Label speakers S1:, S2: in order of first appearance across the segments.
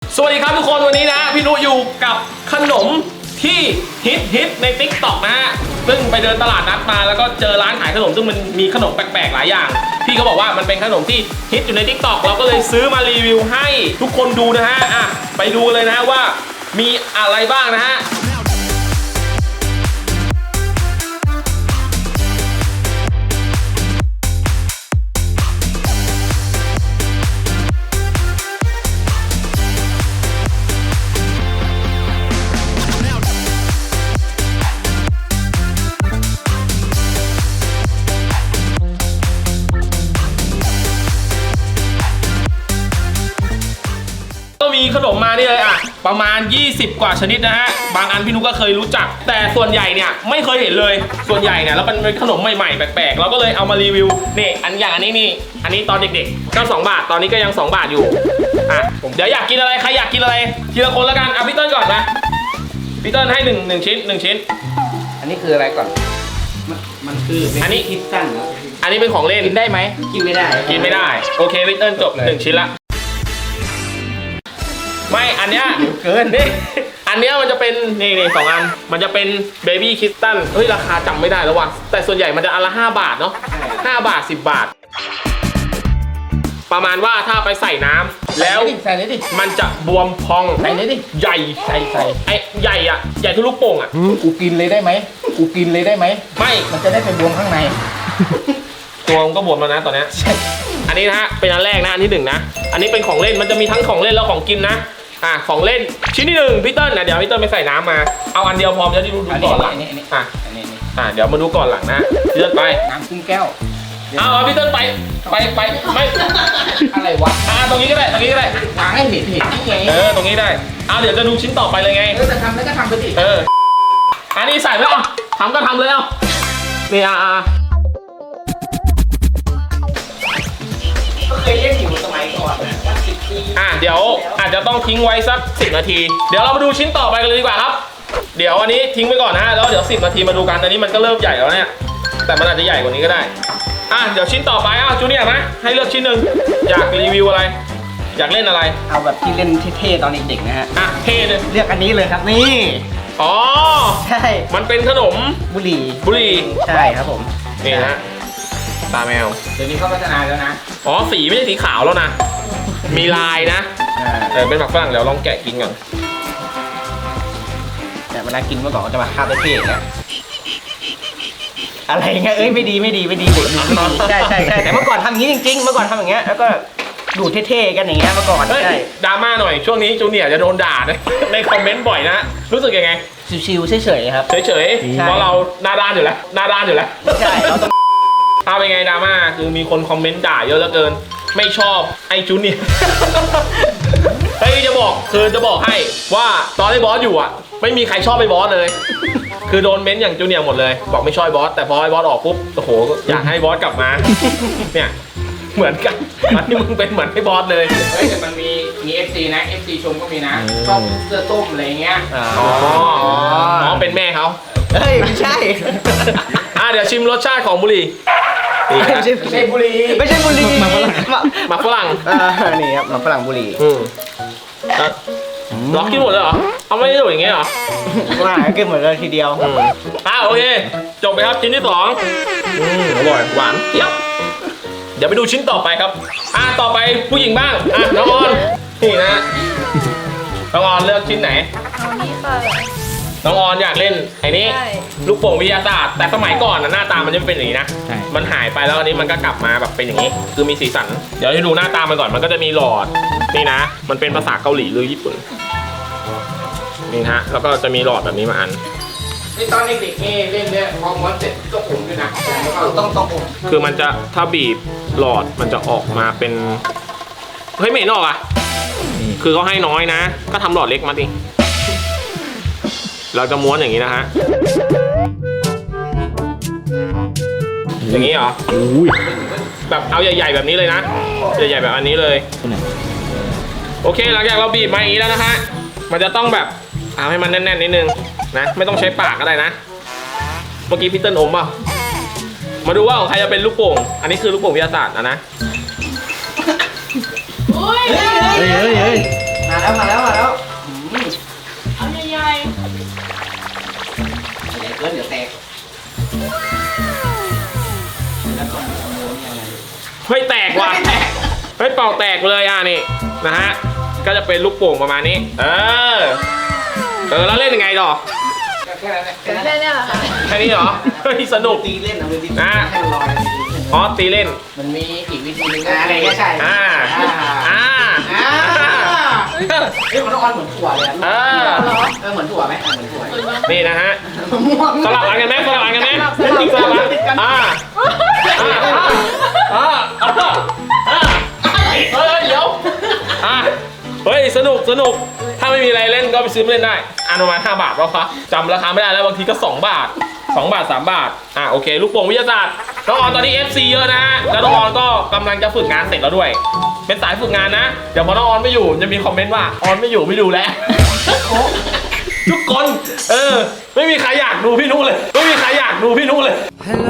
S1: สวัสดีครับทุกคนวันนี้นะพี่นุอยู่กับขนมที่ฮิตใน TikTok นะฮะซึ่งไปเดินตลาดนัดมาแล้วก็เจอร้านขายขนมซึ่งมันมีขนมแปลกๆหลายอย่างพี่เขาบอกว่ามันเป็นขนมที่ฮิตอยู่ใน TikTok เราก็เลยซื้อมารีวิวให้ทุกคนดูนะฮะไปดูเลยนะว่ามีอะไรบ้างนะฮะมีขนมมานี่เลยประมาณ20กว่าชนิดนะฮะบางอันพี่นุก็เคยรู้จักแต่ส่วนใหญ่เนี่ยไม่เคยเห็นเลยส่วนใหญ่เนี่ยแล้วมันเป็นขนมใหม่ๆแปลกๆเราก็เลยเอามารีวิวนี่อันนี้ตอนเด็กๆก็2 บาทตอนนี้ก็ยัง2 บาทอยู่เดี๋ยวอยากกินอะไรใครอยากกินอะไรทีละคนแล้วกันพี่เติ้ลก่อนนะพี่เติ้ลให้1ชิ้น
S2: อันนี้คืออะไรก่อนมันคืออันนี้คิดสั้นเหรอ
S1: อันนี้เป็นของเล่นกินได้ไหม
S2: กินไม่ได้
S1: โอเคพี่เติ้ลจบ1ชิ้นละไม่อันเนี้ย
S2: เกิน
S1: นี่อันเนี้ยมันจะเป็นนี่2 อันมันจะเป็นเบบี้คิสตันเฮ้ยราคาจำไม่ได้แล้วว่ะแต่ส่วนใหญ่มันจะอันละ5 บาทเนาะ5 บาท10 บาทประมาณว่าถ้าไปใส่น้ำแล้วมันจะบวมพอง
S2: ใส่เลยดิ
S1: ใหญ่ไอ้ใหญ่อะใหญ่ทุกลูกโป่งอะ
S2: กูกินเลยได้ไหม
S1: ไม่
S2: มันจะได้ไปบวมข้างใน
S1: ตัวมันก็บวมแล้วนะตอนนี้อันนี้นะฮะเป็นอันแรกนะอันที่1นะอันนี้เป็นของเล่นมันจะมีทั้งของเล่นแล้วของกินนะของเล่นชิ้นที่1พี่เติ้ลนะเดี๋ยวพี่เติ้ลไปใส่น้ำมาเอาอันเดียวพอจะได้ดูก่อนหลังเดี๋ยวมาดูก่อนหลังนะพี่เติ้ลไป
S2: น้ำครึ่งแก้ว
S1: เอาพี่เติ้ลไปไม่
S2: อะไรวะ
S1: ตรงนี้ก็ได้
S2: วางให้เห็นนี่ไง
S1: ตรงนี้ได้เดี๋ยวจะดูชิ้นต่อไปเลยไง
S2: จะทำแล้วก็ทำไปดิ
S1: อันนี้ใส่ไหมทำก็ทำเลยนี่
S2: เคยเล่นอยู่สมัยก่อนนะ10 ปี
S1: เดี๋ยวอาจจะต้องทิ้งไว้สัก10 นาทีเดี๋ยวเรามาดูชิ้นต่อไปกันเลยดีกว่าครับเดี๋ยวอันนี้ทิ้งไว้ก่อนนะแล้วเดี๋ยว10 นาทีมาดูกันอันนี้มันก็เริ่มใหญ่แล้วเนี่ยแต่มันอาจจะใหญ่กว่านี้ก็ได้เดี๋ยวชิ้นต่อไปจูเนียร์นะให้เลือกชิ้นหนึ่งอยากรีวิวอะไรอยากเล่นอะไร
S2: เอาแบบที่เล่นเท่ๆตอนเด็กๆนะฮะ
S1: เท่เลย
S2: เลือกอันนี้เลยครับนี่ใช่
S1: มันเป็นขนม
S2: บุหรี่ใช่ครับผม
S1: นี่นะตาแมว
S2: เดี๋ยวนี้เขาพัฒนาแล้วนะ
S1: สีไม่ใช่สีขาวแล้วนะมีลายนะเป็นหมักฝรั่งเดี๋ยวลองแกะกินก่อน
S2: แต่เวลากินเมื่อก่อนก็จะมาคาบเท่ๆนะอะไรเงี้ยไม่ดีเด็กดูใช่แต่เมื่อก่อนทำอย่างนี้จริงๆเมื่อก่อนทำอย่างเงี้ยแล้วก็ดูเท่ๆกันอย่างเงี้ยเมื่อก่อนใช่
S1: ดราม่าหน่อยช่วงนี้จูเนียร์จะโดนด่าในคอมเมนต์บ่อยนะรู้สึกยังไง
S2: ชิวๆเฉยๆครับ
S1: เฉยๆเพราะเราหน้าด้านอยู่แล้ว
S2: ใช่เราต้อง
S1: เป็นไงดราม่าคือมีคนคอมเมนต์ด่าเยอะเหลือเกินไม่ชอบไอ้จูเนียร์จะบอกให้ว่าตอนไอ้บอสอยู่ไม่มีใครชอบไอ้บอสเลยคือโดนเม้นอย่างจูเนียร์หมดเลยบอกไม่ชอบบอสแต่พอไอ้บอสออกปุ๊บโอ้โหอยากให้บอสกลับมาเนี่ยเหมือนกันมันนี่มึงเป็นเหมือนไอ้บอสเลย
S2: แต่มันมี FC นะ FC ชมก็มีนะชอบเสื้อต้มอะไรเงี้ย
S1: เป็นแม่เขา
S2: ไม่ใช่
S1: เดี๋ยวชิมรสชาติของบุหรี่
S2: ไม่ใช่บุหรี่
S1: หมักฝรั่ง
S2: นี่ครับหมักฝรั่งบุหรี่
S1: ล็อกกินหมดเลยเหรอเอาไม่ได้ดูอย่างเงี้ยเหรอ
S2: ว่ากินหมดเลยทีเดียว
S1: โอเคจบไปครับชิ้นที่2อร่อยหวานเจี๊ยบเดี๋ยวไปดูชิ้นต่อไปครับต่อไปผู้หญิงบ้างน้องออนนี่นะน้องออนเลือกชิ้นไหน
S3: นี่ค่ะ
S1: น้องออนอยากเล่นไอ้นี้ลูกโป่งวิทยาศาสตร์แต่สมัยก่อนหน้าตามันจะเป็นอย่างนี้นะมันหายไปแล้วอันนี้มันก็กลับมาแบบเป็นอย่างนี้คือมีสีสันเดี๋ยวให้ดูหน้าตามันก่อนมันก็จะมีหลอดนี่นะมันเป็นภาษาเกาหลีหรือญี่ปุ่นนี่ฮะแล้วก็จะมีหลอดแบบนี้มาอัน
S2: ตอนเด็กๆนี่เล่นเนี่ยพอม้วนเสร็จต้องอุ่นด้วยนะต้องอุ่น
S1: คือมันจะถ้าบีบหลอดมันจะออกมาเป็นเฮ้ยไม่เห็นออกคือเขาให้น้อยนะก็ทำหลอดเล็กมาดิเราจะม้วนอย่างนี้นะฮะอย่างนี้เหรอแบบเอาใหญ่ๆแบบนี้เลยนะใหญ่ๆแบบอันนี้เลยโอเคหลังจากเราบีบมาอย่างนี้แล้วนะฮะมันจะต้องแบบเอาให้มันแน่นๆนิดนึงนะไม่ต้องใช้ปากก็ได้นะเมื่อกี้พี่เติ้ลอมเปล่ามาดูว่าของใครจะเป็นลูกโป่งอันนี้คือลูกโป่งวิทยาศาสตร์นะ
S2: แล้ว
S3: เอาใหญ่
S2: ใหญ่เกินเดี๋ยวแตกแล้วก่อนเอาโมเนี่ยอะไร
S1: เฮ้ยแตกว่ะเฮ้ยเป่าแตกเลยอ่ะนี่นะฮะก็จะเป็นลูกโป่งประมาณนี้แล้วเล่นยังไงต่อ
S2: แค่นั้นแหละ
S3: ๆแค่นี้เหรอคะ
S1: แค่นี้เหรอเฮ้ยสนุก
S2: ตีเล่นนะมือตี
S1: นะ
S2: ให้มันลอย
S1: อ๋อตีเล่น
S2: มันมีอีกวิธีหนึงอะไรก็ใช่
S1: อ่า
S2: เฮ้ยมันต้องออนเหมือนถั่วเลยเหมือนถั่วไหมเหมือนถั่ว
S1: นี่นะฮะ
S2: ม่วง
S1: สลับอันกันไหมเล่นจริงสลับอันเดี๋ยวเฮ้ยสนุกถ้าไม่มีอะไรเล่นก็ไปซื้อมาเล่นได้ประมาณ5 บาทแล้วครับจำราคาไม่ได้แล้วบางทีก็2 บาท2 บาท 3 บาทโอเคลูกโป่งวิทยาศาสตร์น้องออนตอนนี้ FC เยอะนะแล้วน้องออนก็กำลังจะฝึกงานเสร็จแล้วด้วยเป็นสายฝึกงานนะเดี๋ยวพอน้องออนไม่อยู่จะมีคอมเมนต์ว่าออนไม่อยู่ไม่ดูแล้วทุกคนไม่มีใครอยากดูพี่นุเลยไม่มีใครอยากดูพี่นุเลย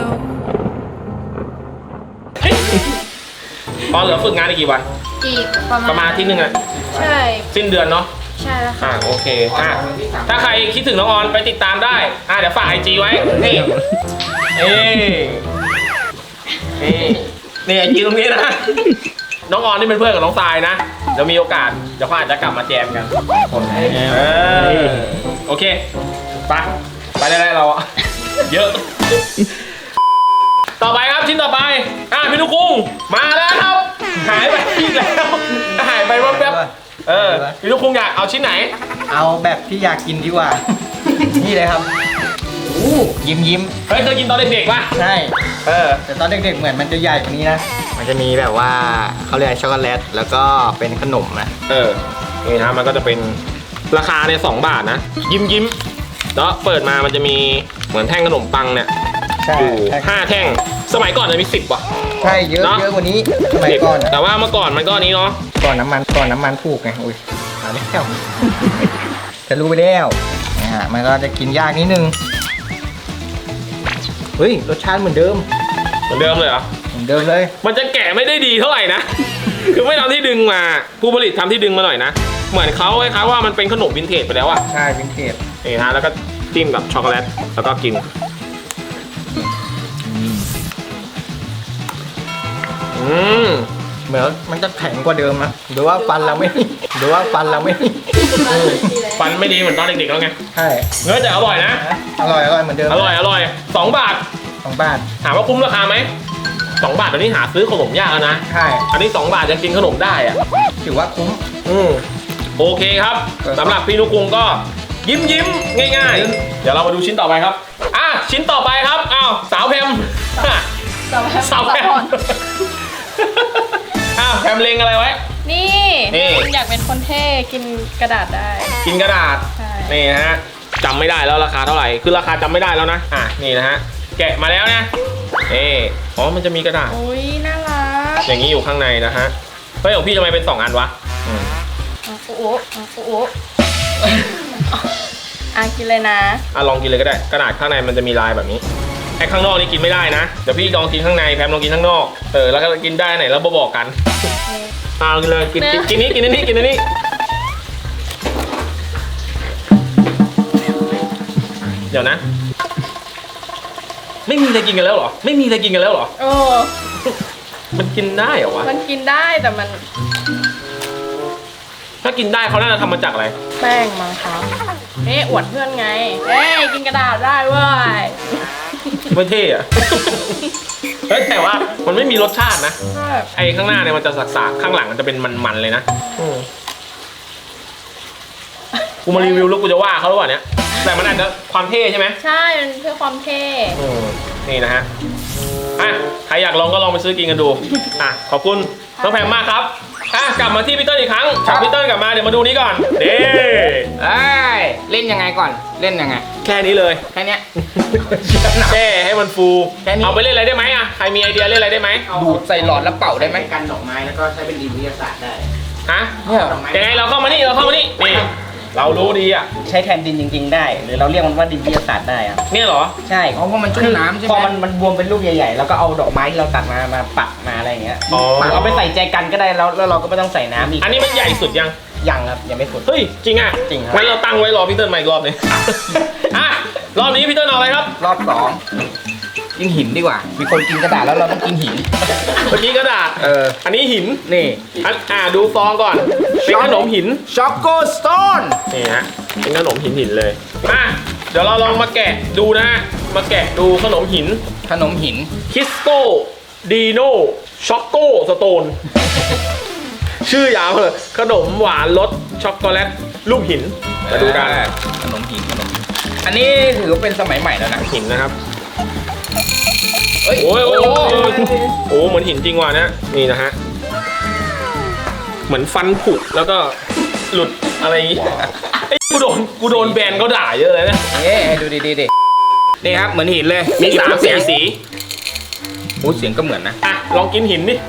S1: ตอนเหลือฝึกงานอีกกี่วัน
S3: อีก
S1: ประมาณอาทิตย์นึงอะ
S3: ใช่
S1: สิ้นเดือนเนาะ
S3: ใช่แล้วค่ะ
S1: โอเคถ้าใครคิดถึงน้องออนไปติดตามได้เดี๋ยวฝากไอจีไว้นี่ไอจีตรงนี้นะน้องออนนี่เป็นเพื่อนกับน้องทรายนะเดี๋ยวมีโอกาสเดี๋ยวเขาอาจจะกลับมาแจมกันโอเคไปได้เราเยอะต่อไปครับชิ้นต่อไปพี่ลูกกุ้งมาแล้วครับหายไปอีกแล้วหายไปแป๊บพี่ลูกกุ้งอยากเอาชิ้นไหน
S2: เอาแบบที่อยากกินดีกว่า นี่เลยครับยิ้ม
S1: เฮ้ยเคยกินตอนเด็กๆป่ะ
S2: ใช่แต่ตอนเด็กๆเหมือนมันจะใหญ่กว่านี้นะมันจะมีแบบว่าเขาเรียกช็อกโกแลตแล้วก็เป็นขนมนะ
S1: นี่นะมันก็จะเป็นราคาเนี่ย2 บาทนะยิ้มแล้วเปิดมามันจะมีเหมือนแท่งขนมปังเนี่ยอยู่5 แท่งสมัยก่อนจะมี10 ว่ะ
S2: ใช่เยอะกว่านี้สมัยก่อน
S1: แต่ว่าเมื่อก่อนมันก็นี้เนาะ
S2: ก่อนน้ำมันถูกไงอุ้ยมาแล้วจะรู้ไปแล้วมันก็จะกินยากนิดนึงเฮ้ยรสชาติเหมือนเดิม
S1: เลยเหรอ
S2: เหมือนเดิมเลย
S1: มันจะแกะไม่ได้ดีเท่าไหร่นะ คือไม่ทำที่ดึงมาผู้ผลิตทำที่ดึงมาหน่อยนะเหมือนเขาคล้ายๆว่ามันเป็นขนมวินเทจไปแล้วอะ
S2: ใช่วินเทจ
S1: นี่ฮะแล้วก็จิ้มกับช็อกโกแลตแล้วก็กิน
S2: เหมือนมันจะแข็งกว่าเดิมนะหรือว่าฟันเราไม่
S1: ฟันไม่ดีเหมือนตอนเด็กๆแล้วไง
S2: ใช่
S1: เนื้อแต่อร่อยนะ
S2: อร่อยเหมือนเดิม
S1: อร่อย2 บาทถามว่าคุ้มราคาไหม2 บาทตอนนี้หาซื้อขนมยากแล้วนะ
S2: ใช่
S1: อันนี้2 บาทยังกินขนมได้อะ
S2: ถือว่าคุ้ม
S1: โอเคครับสำหรับพี่นุกุงก็ยิ้มง่ายๆเดี๋ยวเรามาดูชิ้นต่อไปครับชิ้นต่อไปครับสาวแพมสาวแพมแพมเล็งอะไรไว้
S3: นี่อยากเป็นคนเท่กินกระดาษได้
S1: กินกระดาษนี่นะฮะจำไม่ได้แล้วราคาเท่าไหร่คือราคาจำไม่ได้แล้วนะนี่นะฮะแกะมาแล้วนะมันจะมีกระดาษ
S3: อุ้ยน่ารัก
S1: อย่างนี้อยู่ข้างในนะฮะเฮ้ยของพี่ทำไมเป็น2 อันวะ
S3: กินเลยนะ
S1: ลองกินเลยก็ได้กระดาษข้างในมันจะมีลายแบบนี้ไอ้ข้างนอกนี่กินไม่ได้นะเดี๋ยวพี่ลองกินข้างในแพมลองกินข้างนอกแล้วก็กินได้ไหนแล้วบอกกันกินเลยกินนี้เดี๋ยวนะไม่มีอะไรกินกันแล้วเหรอมันกินได้เหรอวะ
S3: มันกินได้แต่มัน
S1: ถ้ากินได้เขาน่าจะทำมาจากอะไร
S3: แป้งมั้งครับอวดเพื่อนไงกินกระดาษได้เว้ย
S1: ไม่เท่อะแต่ว่ามันไม่มีรสชาตินะไอ้ข้างหน้าเนี่ยมันจะสักๆข้างหลังมันจะเป็นมันๆเลยนะกูมารีวิวแล้วกูจะว่าเขาหรือเปล่าเนี่ยแต่มันอาจจะความเท่ใช่ไหม
S3: ใช่มันเพื่อความเท่
S1: นี่นะฮะใครอยากลองก็ลองไปซื้อกินกันดูขอบคุณน้องแพมมากครับกลับมาที่พี่เติ้ลอีกครั้งพี่เติ้ลกลับมาเดี๋ยวมาดูนี้ก่อน
S2: เล่นยังไงก่อนเล่นยังไง
S1: แค่นี้เลย
S2: แค่นี้
S1: แช่ให้มันฟูเอาไปเล่นอะไรได้ไหมใครมีไอเดียเล่นอะไรได้ไหม
S2: ดูดใส่หลอดแล้วเป่าได้ไหมกันดอกไม้แล้วก็ใช้เป็นดินวิทยาศาสตร์ได้
S1: ยังไงเราเข้ามานี่นี่เรารู้ดี
S2: ใช้แทนดินจริงๆได้หรือเราเรียกมันว่าดินวิทยาศาสตร์ได้
S1: เนี่ยเหรอ
S2: ใช่เพราะมันชุ่มน้ำใช่ไหมพอมันบวมเป็นลูกใหญ่ๆแล้วก็เอาดอกไม้ที่เราตัดมาปักมาอะไรอย่างเงี้ยเอาไปใส่ใจกันก็ได้แล้วเราก็ไม่ต้องใส่น้ำอีก
S1: อันนี้มันใหญ่สุดยัง
S2: ยังครับยังไม่สุด
S1: เฮ้ยจริงอ่ะ
S2: จริงครับ
S1: งั้นเราตั้งไว้รอพี่เติ้ลมาอีกรอบหนึง อ่ะรอบนี้พี่เติ้ลเอาอะไรครับ
S2: รอบสองกินหินดีกว่า มีคนกินกระดาษแล้วเราต้องกินหิน
S1: เมื่อกี้กระดาษ อันนี้หิน
S2: นี่
S1: ดูฟองก่อน เป็นขนมหิน
S2: ช็อกโกสโตน
S1: นี่ฮะ เป็นขนมหินเลยอ่ะเดี๋ยวเราลองมาแกะดูนะฮะ มาแกะดูขนมหิน
S2: ขนมหิน
S1: คิสโตดีโนช็อกโกสโตน ชื่อยาวเลยขนมหวานรสช็อกโกแลตรูปหิน มาดูกัน
S2: ขนมหินอันนี้ถือว่าเป็นสมัยใหม่แล้วนะ
S1: หินนะครับ
S2: เฮ้ย
S1: โอ้ยโอ้เหมือนหินจริงว่ะนะนี่นะฮะ เหมือนฟันผุแล้วก็หลุดอะไรอย่างงี้ไอ้กูโดนแบนเขาด่าเยอะเลยนะ
S2: ดูดินี่ครับเหมือนหินเลย
S1: มี3 สี
S2: โอ้เสียงก็เหมือนนะ
S1: อ่ะลองกินหินดิ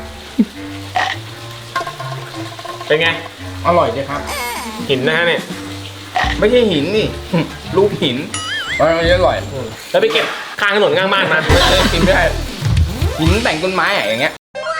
S1: เป็นไง
S2: อร่อยดีครับ
S1: หินนะฮะเนี่ย
S2: ไม่ใช่หินนี่ รูปหินมันอร่อย
S1: แล้วไปเก็บข้างถนนข้างบ้านมา
S2: กินไม่ได้หินแต่งต้นไม้อะอย่างเงี้ย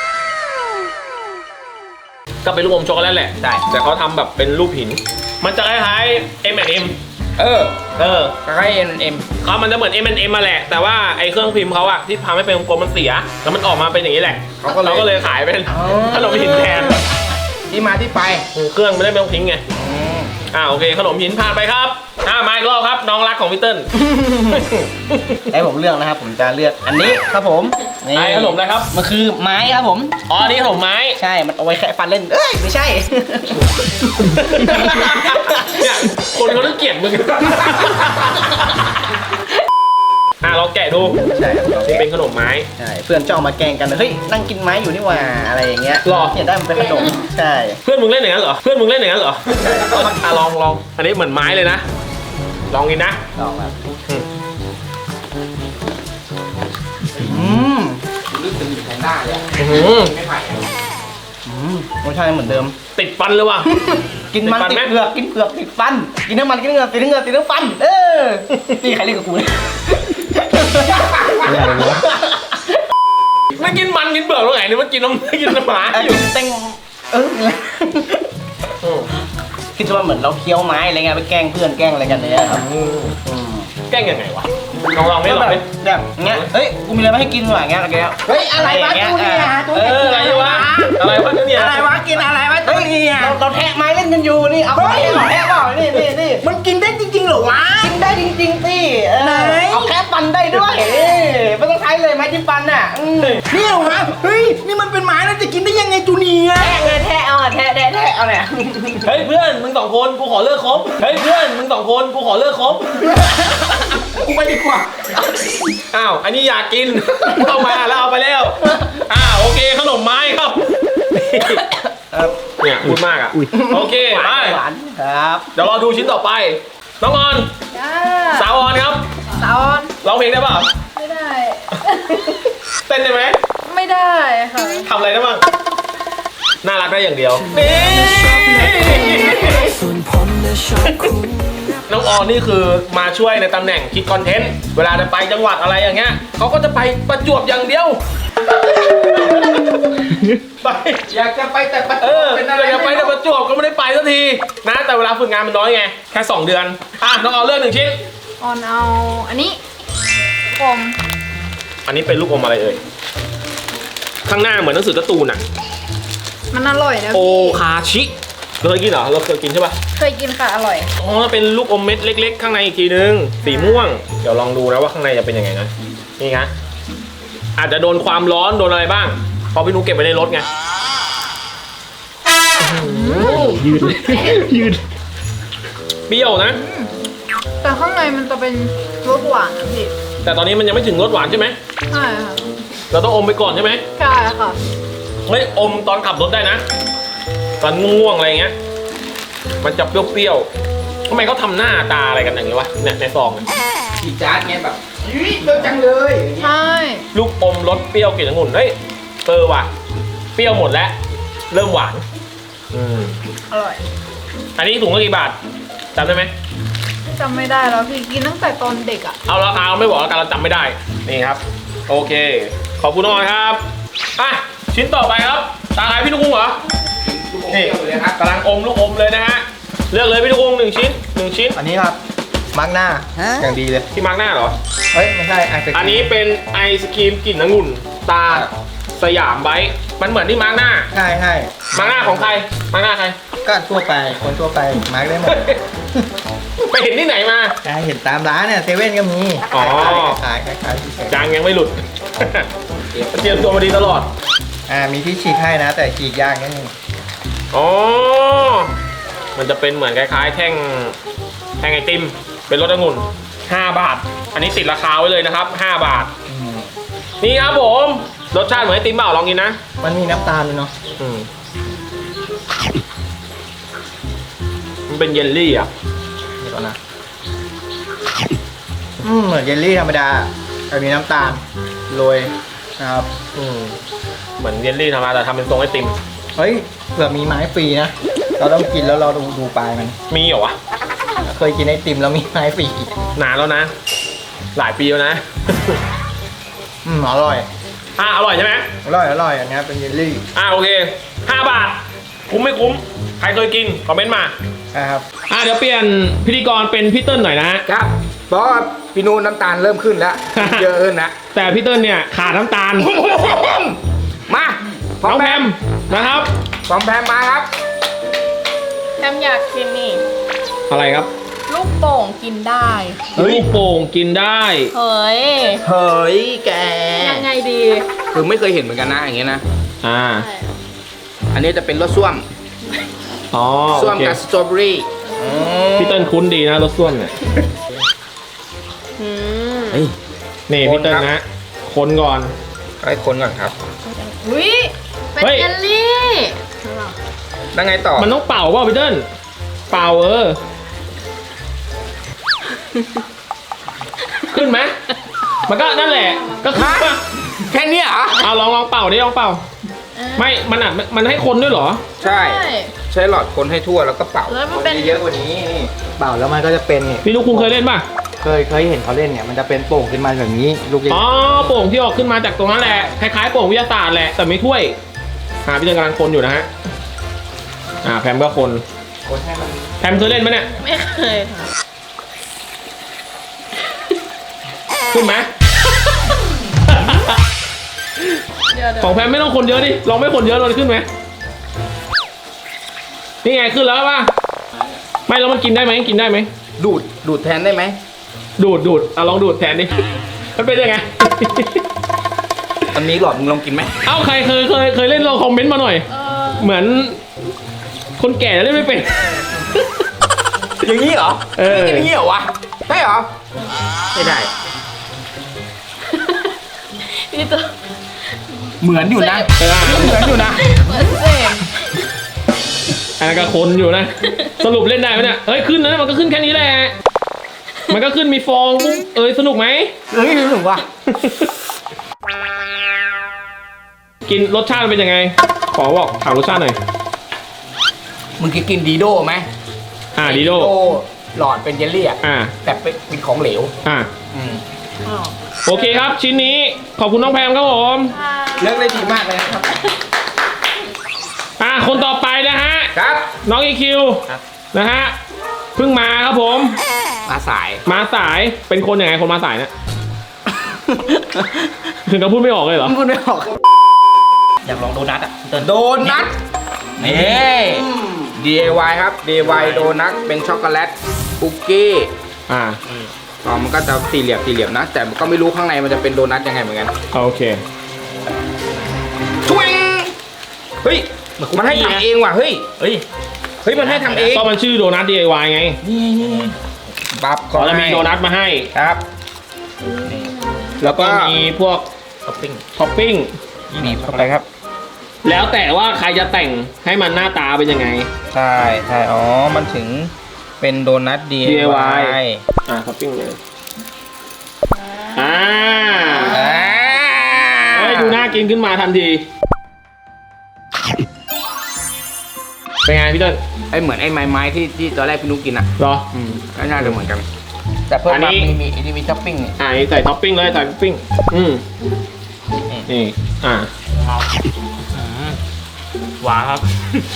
S1: ก็เป็นลูกอมช็อกโกแลตแหละ
S2: ได้
S1: แต่เขาทำแบบเป็นรูปหิน มันจะคล้ายๆ M&M
S2: เออ
S1: เ
S2: ใกล้เอ็ม
S1: เขามันจะเหมือน M&M มาแหละ แต่ว่าไอ้เครื่องพิมพ์เขาอะที่ทำให้เป็นกลมๆมันเสีย แล้วมันออกมาเป็นอย่างนี้แหละ
S2: เขาก็เลย
S1: ขายเป็นขนมหินแทน
S2: ที่มาที่ไป
S1: เครื่องไม่ได้ไม่ต้องทิ้งไง โอเค ขนมหินผ่านไปครับมาอีกรอบครับ น้องรักของพี่เติ้ล
S2: ให้ผมเลือกนะครับ ผมจะเลือกอันนี้ครับผมนี่
S1: ไอ้ขนมอะไรครับ
S2: มันคือไม้ครับผม
S1: อ๋ออันนี่ขนมไม้
S2: ใช่ มันเอาไว้แค่ฟันเล่น เอ้ย ไม่ใช่
S1: เนี่ยคนเขาต้องเกลียดมึง ลองแกะดู
S2: ใช่ครับ
S1: นี่เป็นขนมไม้
S2: ใช่ เพื่อนจะเอามาแกล้งกัน เฮ้ย นั่งกินไม้อยู่นี่หว่า อะไรอย่างเงี้ย
S1: หรอ
S2: เนี่ยได้มันเป็นขนม ใช่
S1: เพื่อนมึงเล่นอย่างนั้นเหรอ เพื่อนมึงเล่นอย่างนั้นเหรอลอง อันนี้เหมือนไม้เลยนะ ลองกินนะ
S2: ลองครับรู้สึกอยู่แพนด้าเลยอะไม่ไผ่รสชาติเหมือนเดิม
S1: ติดฟันเลยว่ะ
S2: กินมัน
S1: ติ
S2: ติ
S1: ด
S2: ด
S1: ฟันไหม
S2: เผือกกินเผือกติดฟัน กินน้ำมันกินเงือกติดเงือกติดน้ำฟัน นี่ใครเล่นกับกูเนี่ย
S1: ไม่กินมันกินเปลือกตรงไหนเนี่ยมันกินน้ำกินน้ำหมาอยู่
S2: เต็งคิดว่าเหมือนเราเคี้ยวไม้อะไรเงี้ยไปแกล้งเพื่อนแกล้งอะไรกันเนี่ยครับ
S1: แกล้งยังไงวะลองไม่ลอง
S2: แบ
S1: ไม่
S2: บเงี้ยเฮ้ยกูมีอะไรมาให้กินหน่อยเงี้ยอะไรเงี้ยเฮ้ยอะไรวะจูเนียจูเนีย
S1: อะไรวะเนี่ย
S2: อะไรวะกินอะไรวะจูเนียเราแทะไม้เล่นกันอยู่นี่เอาไปแทะเปล่านี่มันกินได้จริงๆเหรอวะกินได้จริงๆสิเอาแค่ฟันได้ด้วยไม่ต้องใช้เลยไม้จิ้มฟันน่ะนี่เหรอวะเฮ้ยนี่มันเป็นไม้แล้วจะกินได้ยังไงจูเนียแทะเอาแทะเอาเนี่ย
S1: เฮ้ยเพื่อนมึง2 คนกูขอเลิกคบเฮ้ยเพื่อนมึง2 คนกูขอเลิกคบ
S2: กูไปดีกว่า
S1: อันนี้อยากกิน เข้ามาแล้วเอาไปแล้วโอเคขนมไม้ครับ เนี่ยพูดมากอ่ะโอเคไป
S2: หวานครับ
S1: เดี๋ยวรอดูชิ้นต่อไป น้องออน
S3: จ้า
S1: สาวออนครับ
S3: สาวออน
S1: ร้องเพลงได้เปล่า
S3: ไม่ได้
S1: เต้นได้ไหม
S3: ไม่ได้ค่ะ
S1: ทำอะไรได้บ้างน่ารักได้อย่างเดียวนี่น้องออนนี่คือมาช่วยในตำแหน่งคิดคอนเทนต์เวลาจะไปจังหวัดอะไรอย่างเงี้ยเขาก็จะไปประจวบอย่างเดียวไป
S2: อยากจะไปแต่ประจ
S1: อ
S2: วบเป็นอะไร
S1: อยากไปแต่ประจวบก็ไม่ได้ไปสักทีนะแต่เวลาฝึกงานมันน้อยไงแค่2 เดือนน้องออนเลือก1 ชิ้น
S3: ออนเอาอันนี้ผม
S1: อันนี้เป็นลูกอมอะไรเอ่ยข้างหน้าเหมือนหนังสือการ์ตูนอ่ะ
S3: มันอร่อยนะ
S1: โอ
S3: พี่
S1: คาชิเราเคยกินเหรอเราเคยกินใช่ปะ
S3: เคยกินค่ะอร่อย
S1: อ๋อเป็นลูกอมเม็ดเล็ก ๆ ข้างในอีกทีนึงสีม่วงเดี๋ยวลองดูนะว่าข้างในจะเป็นยังไงนะนี่ครับอาจจะโดนความร้อนโดนอะไรบ้างเพราะพี่นุ๊กเก็บไว้ในรถไงยืดเปรี้ยวนะ
S3: แต่ข้างในมันจะเป็นรสหวานนะพี่
S1: แต่ตอนนี้มันยังไม่ถึงรสหวานใช่ไหม
S3: ใช่ค่ะ
S1: เราต้องอมไปก่อนใช่ไหม
S3: ใช่ค่ะ
S1: เฮ้ยอมตอนขับรถได้นะ ตอนง่วงๆอะไรเงี้ยมันจะเปรี้ยวๆทำไมเขาทำหน้าตาอะไรกันอย่างนี้วะเนี่ยในซองเนี่ย
S2: อีจาร์ดเงี้ยแบบอุ้ยเลิกจังเลย
S3: ใช่
S1: ลูกอมรสเปรี้ยวกลิ่นองุ่นเฮ้ยว่ะเปรี้ยวหมดแล้วเริ่มหวาน
S3: อร่อย
S1: อันนี้ถุงละกี่บาทจำได้ไหม
S3: จำไม่ได้แล้วพี่กินตั้งแต่ตอนเด็กอ่ะ
S1: เอาราคาไม่บอกแล้วกันเราจำไม่ได้นี่ครับโอเคขอบคุณน้องครับชิ้นต่อไปครับตาใครพี่นุ๊กเหรอนี่กำลังอมลูกอมเลยนะฮะเลือกเลยพี่ลูกอม1 ชิ้น1 ชิ้น
S2: อันนี้ครับมาร์กหน้าอย่างดีเลย
S1: ที่มาร์กหน้าเหรอ
S2: เฮ้ยไม่ใช่ไอศกรีม
S1: อันนี้เป็นไอศครีมกลิ่นองุ่นตาสยามไบท์มันเหมือนที่มาร์กหน้า
S2: ใช่ใช่
S1: มาร์กหน้าของใครมาร์กหน้าใคร
S2: ก็ทั่วไปคนทั่วไปมาร์กได้หมด
S1: ไปเห็นที่ไหนมา
S2: ใช่เห็นตามร้านเนี่ยเซเว่นก็มี
S1: อ๋อ
S2: ขายเฉย
S1: จางยังไม่หลุด เตรียมตัวมาดีตลอด
S2: มีที่ฉีกให้นะ แต่ฉีกยากนิดนึง
S1: อ๋อ มันจะเป็นเหมือนคล้ายๆแท่งไอติม เป็นรสองุ่น5 บาท อันนี้ติดราคาไว้เลยนะครับ5 บาท นี่ครับผม รสชาติเหมือนไอติมเปล่าลองกินนะ
S2: มันมีน้ำตาลด้วยเนาะ
S1: อืมมันเป็นเยลลี่อ่ะ
S2: เดี๋ยวก่อนนะเหมือนเยลลี่ธรรมดาแต่มีน้ำตาลโรยนะครับ
S1: อืมเหมือนเยลลี่ธรรมดาแต่ทำเป็นทรงไอติม
S2: เฮ้ยเผื่อมีไม้ฟรีนะเราต้องกินแล้วเราดูปลายมัน
S1: มีเหรอวะ
S2: เคยกินไอติมแล้วมีไม้ฟรี
S1: นานแล้วนะ หลายปีแล้วนะ
S2: อร่อย
S1: อร่อยใช่ไหม
S2: อร่อยอันนี้เป็นเยลลี่
S1: โอเค5 บาท คุ้มไม่คุ้ม ใครเคยกิน คอมเมนต์มา
S2: นะครับ
S1: เดี๋ยวเปลี่ยนพิธีกรเป็นพี่เติ้ลหน่อยนะ
S4: ครับเพราะว่าพี่นูนน้ำตาลเริ่มขึ้นแล้ว เยอะขึ้นนะ
S1: แต่พี่เติ้ลเนี่ยขาดน้ำตาล
S4: มาพร้อ
S1: น้
S4: ม
S1: อง
S4: แพ
S1: แพ
S4: ม
S1: มนะครับ
S4: พร้อมแพมมาครับ
S3: แอมอยากกินนี่
S1: อะไรครับ
S3: ลูกโป่งกินได้
S1: ลูกโป่งกินได้
S3: เฮ้ย
S4: เฮ้ยแก
S3: ยังไงดี
S4: คือไม่เคยเห็นเหมือนกันนะอย่างเงี้ยนะ
S1: อ่า
S4: อันนี้จะเป็นรสส้วม
S1: อ๋อ
S4: ส้ว
S1: โอ
S4: ม
S1: เค
S4: กับสตรอเบอรี่
S1: พี่เติ้ลคุ้นดีนะรถส้วมเนี่ย
S3: อืม
S4: เฮ้ย
S1: นี่พี่เติ้ลนะ คนก่อน
S4: ให้คนก่อนครับ
S3: อุ้ยเป็น
S1: เฮ้ย
S3: เยลลี่
S4: แล้วไงต่อ
S1: มันต้องเป่าเปล่าพี่เติ้ลเป่าขึ้นไหมมันก็นั่นแหละ ก็ขึ้นป่ะ
S4: แค่เนี้ยเหรอ
S1: เอาลองเป่าดิลองเป่า ไม่ มันให้คนด้วยเหรอ
S4: ใช่ ใช้หลอดคนให้ทั่วแล้วก็เป่า
S3: แล้วมันเป็น
S2: เยอะกว่านี้นี่เปล่าแล้วมันก็จะเป็นนี่
S1: พี่ลูกคุณเคยเล่นป่ะ
S2: เคยเห็นเขาเล่นเนี่ยมันจะเป็นโป่งขึ้นมาแบบนี้ลูกเล็ก
S1: อ๋อโป่งที่ออกขึ้นมาจากตรงนั้นแหละ คล้ายๆโป่งวิทยาศาสตร์แหละ แต่ไม่ถ้วยพี่เติ้ลกำลังคนอยู่นะฮะ แพมก็คน
S2: คนให้มัน
S1: แพมเคยเล่นไหมเนี่ย
S3: ไม่เคยค่ะ
S1: ขึ้นไหม
S3: เดี๋ยว
S1: ของแพมไม่ต้องคนเยอะดิ ลองไม่คนเยอะเลยขึ้นไหม นี่ไงขึ้นแล้วป่ะ ไม่แล้วมันกินได้ไหมกินได้ไหม
S4: ดูดแทนได้ไหม
S1: ดูดลองดูดแทนดิ มันเป็นยังไง
S4: มันมีหลอดมึงลองกินไหม
S1: เอ้าใครเคยเล่นลองคอมเมนต์มาหน่อย เหมือน คนแก่จะเล่นไม่เป็น
S4: อย่างนี้เหรอ
S1: เออ
S4: ไม่กินอย่างนี้เหรอวะได้เหรอไม่ได้
S3: พี่ตัว
S4: เหมือนอยู่นะ
S1: เออ
S4: เหมือนอยู่นะ
S3: เหมือนเสม
S1: อันนั้นก็คนอยู่นะ สรุปเล่นได้ไหมเนี่ย เอ้ยขึ้นนะมันก็ขึ้นแค่นี้แหละ มันก็ขึ้นมีฟองปุ๊บสนุกไหม
S4: รู้สึกว่า
S1: กินรสชาติมันเป็นยังไง ขอบอกถามรสชาติหน่อย
S4: มึงเคยกินดีโด้ไหม
S1: ดีโด
S4: หลอดเป็นเยลลี่อะ
S1: อ่า
S4: แต่เป็นของเหลว
S1: โอเคครับ ชิ้นนี้ขอบคุณน้องแพมครับผม
S4: เลือกได้ดีมากเลยนะครับ
S1: คนต่อไปนะฮะ
S4: ครับ
S1: น้องอีคิวนะฮะเพิ่งมาครับผม
S4: มาสาย
S1: มาสายเป็นคนยังไงคนมาสายเนี่ย ถึงกับพูดไม่ออกเลยเหรอ
S4: พูดไม่ออก
S2: อยากลองโดนัทอ่ะ
S4: โดนัทนี่ DIY ครับ DIY โดนัทเป็นช็อกโกแลตคุกกี้ มันก็จะสี่เหลี่ยมนะ แต่ก็ไม่รู้ข้างในมันจะเป็นโดนัทยังไงเหมือนกัน
S1: โอเค
S4: ทวิงเฮ้ย มันให้ทำเองว่ะ เฮ้ย มันให้ทำเอง
S1: ก็มันชื่อโดนัท DIY ไง
S4: บับ
S1: ขอจะมีโดนัทมาให้
S4: ครับ
S1: แล้วก็มีพวก
S4: ท็อปปิ้ง
S1: ท็อปปิ้ง
S4: นี่เข้าไปครับ
S1: แล้วแต่ว่าใครจะแต่งให้มันหน้าตาเป็นยังไง
S4: ใช่อ๋อ มันถึงเป็นโดนัท
S1: DIY ท็อปปิ้งเลยดูน่ากินขึ้นมาทันที เป็นไงพี่เติ้ล
S4: เหมือนไอ้ไม้ที่ตอนแรกพี่นุ๊กกินอ่ะ
S1: เหรอ
S4: ก็น่าจะเหมือนกัน แต่เพิ่ม
S1: อัน
S4: มา
S1: นี้
S4: มีท็อปปิ้งนี่
S1: นี่ใส่ท็อปปิ้งเลยใส่ท็อปปิ้งนี่
S2: หวานครับ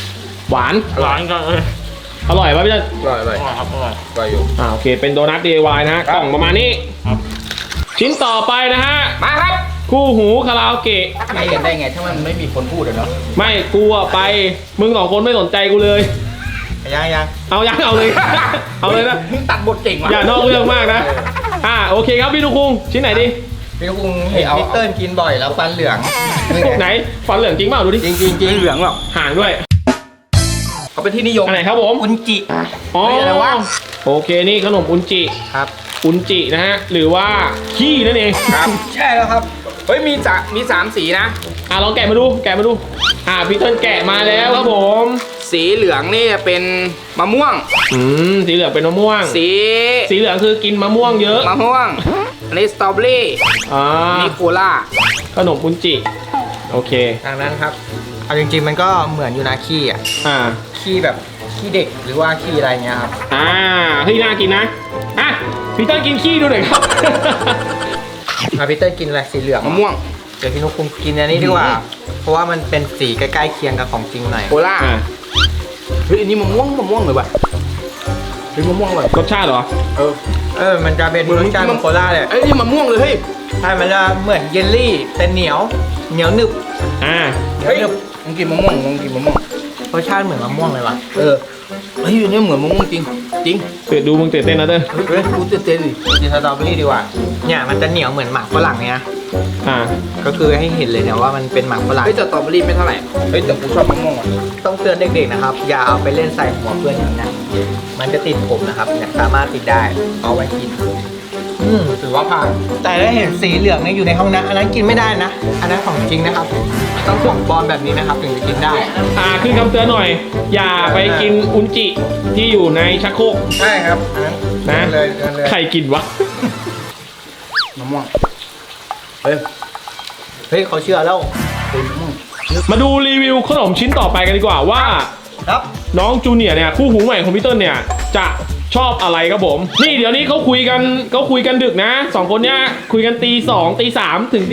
S1: หวาน
S2: หวานจังเลย
S1: อร่อยป่ะพี่เติ้ล
S4: อร่อย
S2: ครับอร่อย
S4: อร่อยอยู่
S1: โอเคเป็นโดนัท DIY นะฮะ
S4: ครับ
S1: กล่องประมาณนี้
S2: ครับ
S1: ชิ้นต่อไปนะฮะ
S4: มาครับ
S1: คู่หูคาราโอเกะ
S4: ไม่เห็นได้ไงถ้ามันไม่มีคนพูดอะเนาะ
S1: ไม่กูอะไปมึงสองคนไม่สนใจกูเลย
S2: ยัง
S1: เอายังเอาเลย เอาเลยนะ
S4: มึงตัดบทเก่งว่ะ
S1: อย่านอกเรื่องมากนะโอเคครับพี่ลูกคุงชิ้นไหนดี
S4: พี่กุ้งเห็นพี่เติ้ลกินบ่อยแล้วฟันเหลือง
S1: ไหนฟันเหลืองจริงเปล่าดูดิ
S4: จริงจริงจริงเหลืองหรอก
S1: ห่างด้วย
S4: เขาเป็นที่นิยม
S1: อันไหนครับผม
S2: อุนจิ
S1: อ๋อ
S4: เฮ้ยอะไรวะ
S1: โอเคนี่ขนมอุนจิ
S2: ครับ
S1: อุนจินะฮะหรือว่าขี้นั่นเอง
S4: ครับใช่แล้วครับเฮ้ยมีสามสีนะ
S1: ลองแกะมาดูพี่เติ้ลแกะมาแล้วครับผม
S4: สีเหลืองนี่เป็นมะม่วง
S1: สีเหลืองเป็นมะม่วง
S4: สี
S1: สีเหลืองคือกินมะม่วงเยอะ
S4: มะม่วงอันนี้สตรอเบอรี่
S1: อ่า
S4: นี่โคล่า
S1: ขนมอุนจิโอเค
S2: ทางนั้นครับเอาจริงๆมันก็เหมือนอยู่นะขี้อ่ะ
S1: อ่า
S2: ขี้แบบขี้เด็กหรือว่าขี้อะไรเงี้ยครับ
S1: เฮ้ยน่ากินนะพี่เติ้ลกินขี้ดูหน่อยครับ
S2: พี่เต้ยกินอะไรสีเหลือง
S4: มะม่วง
S2: เดี๋ยวพี่นุ๊กคุงกินอันนี้ดีกว่า เพราะว่ามันเป็นสีใกล้ๆเคียงกับของจริงหน่อย
S4: โคล่า
S1: อ่า
S4: เฮ้ยอันนี้มะม่วงเลยว่ะเฮ้ยมะม่วงเลย
S1: รสชาติเหรอ
S2: มันจะเป็นรสชาติของโคลาเลย
S4: เอ้ยนี่มะม่วงเลยเฮ้ย
S2: ใช่มันจะเหมือนเยลลี่แต่เหนียวหนึบ
S4: เฮ้ยมึงกินมะม่วง
S2: รสชาติเหมือนมะม่วงเลยว่ะ
S4: เฮ้ยอันนี้เหมือนมะม่วงจริงจริง
S1: ดูมึงตื่นเต้นนะเต้น
S4: เฮ้ยกูตื่นเต้นดิ
S2: กินสตรอเบอรี่ดีกว่าเนี่ยมันจะเหนียวเหมือนหมากฝรั่งเนี่ยนะ
S1: อ่า
S2: ก็คือให้เห็นเลยเนี่ยว่ามันเป็นหมากฝรั่ง
S4: เฮ้ยแต่สตรอเบอรี่ไม่เท่าไหร่เฮ้ยแต่กูชอบมะม่วงอ่ะ
S2: ต้องเตือนเด็กๆนะครับ อย่าเอาไปเล่นใส่หัวเพื่อนอย่างนั้นมันจะติดผมนะครับเนี่ยสามารถติดได้เอาไว้กิน
S4: ถือว่าผ่าน
S2: แต่ถ้าเห็นสีเหลืองเนี่ยอยู่ในห้องน้ำอันนั้นกินไม่ได้นะ อันนั้นของจริงนะครับ ต้องของปลอมแบบนี้นะครับถึงจะกินได้
S1: ขึ้นคำเตือนหน่อย อย่าไปกินอุนจิที่อยู่ในชักโครก
S2: ใช่ครับอันนั้น
S1: นะ
S2: เลยเลย
S1: ใครกินวะ
S4: มะม่วงเฮ้ย
S2: เฮ้ยเขาเชื่อแล้ว
S1: มาดูรีวิวขนมชิ้นต่อไปกันดีกว่าว่า
S2: ครับ
S1: น้องจูเนียร์เนี่ยคู่หูใหม่ของพี่เติ้ลเนี่ยจะชอบอะไรครับผม นี่เดี๋ยวนี้เขาคุยกันดึกนะสองคนเนี้ยคุยกันตี 2 ตี 3 ถึงตี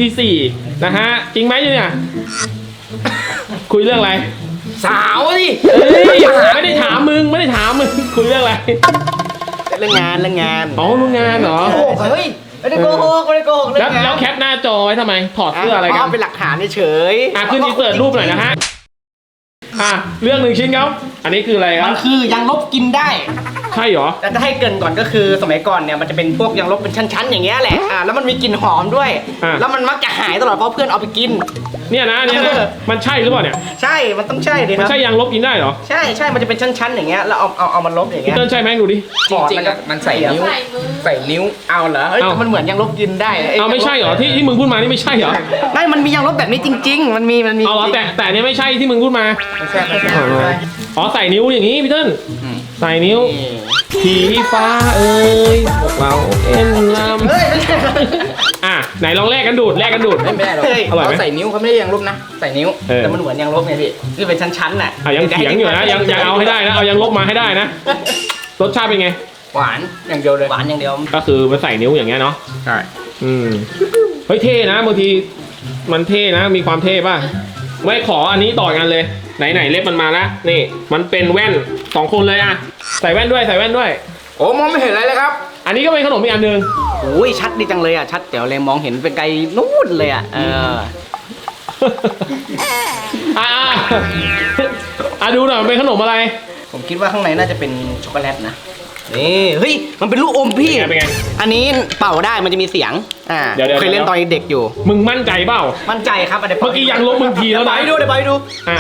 S1: 4นะฮะจริงไหมจูเนียร์คุยเรื่องอะไร
S4: สาวดิ
S1: เอ้ยไม่ได้ถามมึงคุยเรื่องอะไร
S2: เรื่องงาน
S1: อ๋อรู้งานเหรอ
S2: โกหกเฮ้ยไม่ได้โกหกเรื่
S1: แล้
S2: อ
S1: ว
S2: งงาน
S1: แล้วแคปหน้าจอไว้ทำไมถอดเสื้ออะไรกัน
S2: เป็นหลักฐานเฉย
S1: ขึ้นอินเสิร์ตรูปหน่อยนะฮะเรื่องหนึ่งชิ้นครับอันนี้คืออะไรค
S2: มั
S1: รั
S2: น
S1: บ
S2: คือยางลบกินได้
S1: ใช่เหรอ
S2: แต่จะให้เกรินก่อนก็คือสมัยก่อนเนี่ยมันจะเป็นพวกยางลบเป็นชั้นๆอย่างเงี้ยแหละแล้วมันมีกลิ่นหอมด้วย แล้วมันมักจะหายตลอดเพราะเพื่อนเอาไปกิน
S1: เนี่ยนะมันใช่หรือเปล่าเนี่ย
S2: ใช่มันต้องใช่ดิค
S1: มัน
S2: รับ
S1: ใช่ยางลบกินได้เหรอ
S2: ใช่มันจะเป็นชั้นๆอย่างเงี้ยแล้วเอามันลบอย่าง
S1: พี่
S2: เงี้ย
S1: เติ้ลใช่ไหมดูดิ
S4: จริงๆอ่ะมันใส่นิ้ว
S3: ใส่มือ
S4: ใส่นิ้ว
S2: เอาเหรอเฮ้ย
S1: เอา
S2: แต่มันเหมือนยางลบกินได้
S1: เอาไม่ใช่เหรอที่มึงพูดมานี่ไม่ใช่เหรอ
S2: ไม่มันมียางลบแบบนี้จริง ๆ มันมี
S1: เอาเหรอแต่เนี่ยไม่ใช่ที่มึงพูดมา
S4: ไม่ใช่
S1: อ๋อใส่นิ้วอย่างนี้พี่เติ้ล
S4: อืม
S1: ใส่นิ้วผีฟ้าเอ้ยพวกเราเอ็นล
S2: เฮ้ยไม่ใช่
S1: ำไหนลองแลกกันดูด
S4: ไม่ได้หรอก
S1: อร่อยไหม
S4: เขาใส่นิ้วเขาไม่ได้ยังลบนะ ใส่นิ้ว
S2: แต่มันเหมือนยางลบไงพี่ที่เป็นชั้นๆน่ะ
S1: ยังเถียงอยู่นะยังเอาให้ได้นะเอายังลบมาให้ได้นะรสชาติเป็นไง
S4: หวานอย่างเดียวเลย
S2: หวานอย่างเดียว
S1: ก็คือมันใส่นิ้วอย่างเงี้ยเนาะ
S4: ใช่
S1: เฮ้ยเท่นะบางทีมันเท่นะมีความเท่ป่ะไม่ขออันนี้ต่อกันเลยไหนเล็บมันมาแล้วนี่มันเป็นแว่น2 คนเลยใส่แว่นด้วย
S4: โอ้มองไม่เห็นอะไรเลยครับ
S1: อันนี้ก็เป็นขนมอีกอันหนึ่ง
S2: โอ้ยชัดดีจังเลยชัดเดี๋ยวเลยมองเห็นเป็นไกลนู่นเลย
S1: ดูหน่อยมันเป็นขนมอะไร
S2: ผมคิดว่าข้างในน่าจะเป็นช็อกโกแลตนะนี่เฮ้ยมันเป็นลูกอมพี่
S1: เป็นไง
S2: อันนี้เป่าได้มันจะมีเสียง
S1: เดี๋ยว
S2: เคยเล่นตอนเด็กอยู่
S1: มึงมั่นใจเปล่า
S2: มั่นใจครับอันนี้
S1: เมื่อกี้ยังลบมึงทีแล้วนะ
S2: เดี๋ยวไปดู
S1: อ่ะ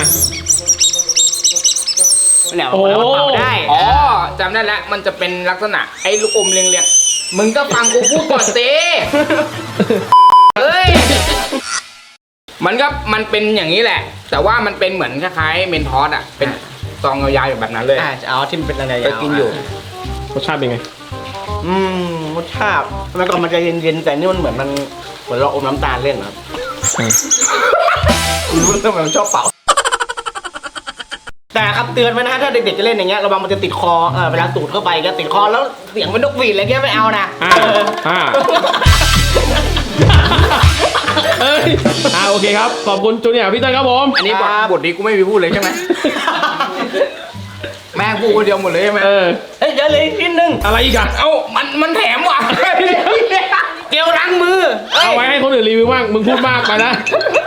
S2: เนี่ย
S1: โอ้
S2: เป่าได้
S4: อ๋อจำได้แล้วมันจะเป็นลักษณะไอ้ลูกอมเรียงๆมึงก็ฟังกูพูดก่อนสิเฮ้ยมันเป็นอย่างนี้แหละ แต่ว่ามันเป็นเหมือนคล้ายๆเมนทอสเป็นซองยาวๆแบบนั้นเลย
S2: เอาที่มันเป็นอะไร
S4: ไปกินอยู่
S1: รสชาติเป็นไง
S2: รสชาติทำไมก่อนมันจะเย็นๆแต่นี่มันเหมือนเราอมน้ำตาลเล่นครับรู้ทำไมมันชอบเป่าแต่ครับเตือนไว้นะถ้าเด็กๆจะเล่นอย่างเงี้ยระวังมันจะติดคอเวลาสูดเข้าไปก็ติดคอแล้วเสียงเป็นนกหวีดอะไรเงี้ยไม่เอานะ
S1: โอเคครับขอบคุณจูเนียร์พี่เติ้ลครับผม
S4: อันนี้บทนี้กูไม่มีพูดเลยใช่ไหมแม่งพูดคนเดียวหมดเลยใช่ไหม
S1: เออ
S2: เฮ้ยเดี๋ยวเลยนิดนึง
S1: อะไรอีกอะ
S4: เอ้ามันแถมว่ะ
S2: เกลล้างมือ
S1: เอาไว้ให้คนอื่นรีวิวบ้างมึงพูดมากไปนะ